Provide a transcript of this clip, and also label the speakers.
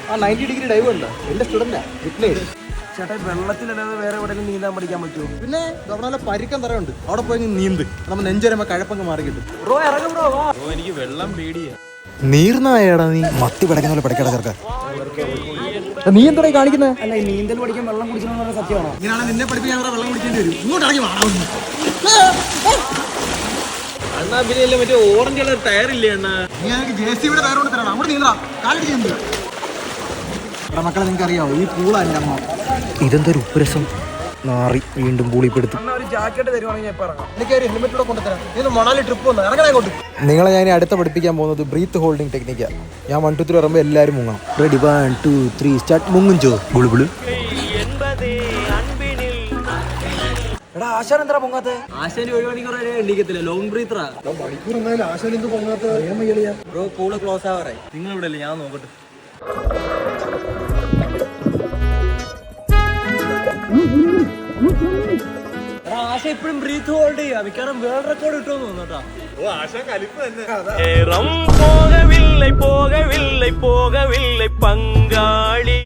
Speaker 1: ആ 90 degree dive ഉണ്ട്. എന്റെ സ്റ്റുഡന്റാ വിഘ്നേഷ്.
Speaker 2: ചേട്ടാ വെള്ളത്തിലല്ലാതെ വേറെ എവിടെയെങ്കിലും നീന്താൻ പഠിക്കാൻ പറ്റുമോ?
Speaker 1: പിന്നെ അവിടെ നല്ല പരിക്കൻ തറയുണ്ട്, അവിടെ പോയി നീന്ത്. നമ്മൾ നെഞ്ചൊരുമ്പോ കഴപ്പങ്ങ് മാറി കിട്ടും.
Speaker 2: ബ്രോ ഇറങ്ങും ബ്രോ.
Speaker 3: എനിക്ക് വെള്ളം പേടിയാ.
Speaker 1: നീർന്നായടാ നീ മത്തി പടക്കുന്ന പോലെ പടക്കട ചേർക്കാൻ. നീ എന്താ കാണിക്കുന്നത്?
Speaker 2: അല്ല ഈ നീന്തൽ പഠിക്കാൻ വെള്ളം കുടിക്കണമെന്ന് പറഞ്ഞ സത്യമാണോ?
Speaker 1: ഇങ്ങനെയാണ് നിന്നെ പഠിപ്പിക്കാൻ വെള്ളം കുടിക്കേണ്ടി വരും. ഇങ്ങോട്ട് ഇറങ്ങി
Speaker 3: അണ്ണാ പിന്നെ മറ്റേ ഓറഞ്ച് കളർ ടയർ ഇല്ലേ അണ്ണാ?
Speaker 1: JCB-യുടെ ടയർ കൊണ്ട് തരണം. അങ്ങോട്ട് നീന്താ, കാലടിച്ച് നീന്ത്. മക്കളെ നിങ്ങൾക്ക് അറിയാവോ, ഈ പൂളാ എൻ്റെ അമ്മ. ഇതെന്തൊരു ഉപ്പുരസം. നാറി വീണ്ടും പൂളിപ്പെടുത്തു.
Speaker 2: ഒരു ജാക്കറ്റ് തരുവാണെങ്കിൽ ഞാൻ ഇറങ്ങാം.
Speaker 1: എനിക്ക് ഒരു ഹെൽമെറ്റ് കൊണ്ടുതരാം. ഇത് മണാലി ട്രിപ്പ് വന്നു ഇറങ്ങണേ കൊണ്ട്. നിങ്ങളെ ഞാൻ അടുത്ത പഠിപ്പിക്കാൻ പോകുന്നത് ബ്രീത്ത് ഹോൾഡിംഗ് ടെക്നിക്കാണ്. ഞാൻ 1 2 3 പറയുമ്പോൾ എല്ലാവരും മുങ്ങണം. Ready 1 2 3 start. മുങ്ങും ഗുളുബിള്.
Speaker 2: എടാ ആശാൻ എന്താ പൊങ്ങാത്തെ?
Speaker 3: ആശാന് 1 മണിക്കൂർ വരെ എണ്ണിക്കത്തില്ല. ലോങ് ബ്രീത്തറാ.
Speaker 1: മണിക്കൂർ എന്നാലും ആശാൻ എന്ത് പൊങ്ങാത്ത?
Speaker 3: ബ്രോ പൂള് ക്ലോസ് ആവാറായി. നിങ്ങൾ ഇവിടെ അല്ലേ? ഞാൻ നോക്കട്ടെ. ആശ ഇപ്പോഴും ബ്രീത്ത് ഹോൾഡ് ചെയ്യാം. മിക്കവാറും വേൾഡ് റെക്കോർഡ് കിട്ടുമെന്ന് തോന്നുന്നു കേട്ടോ.
Speaker 4: போகவில்லை பங்காளி.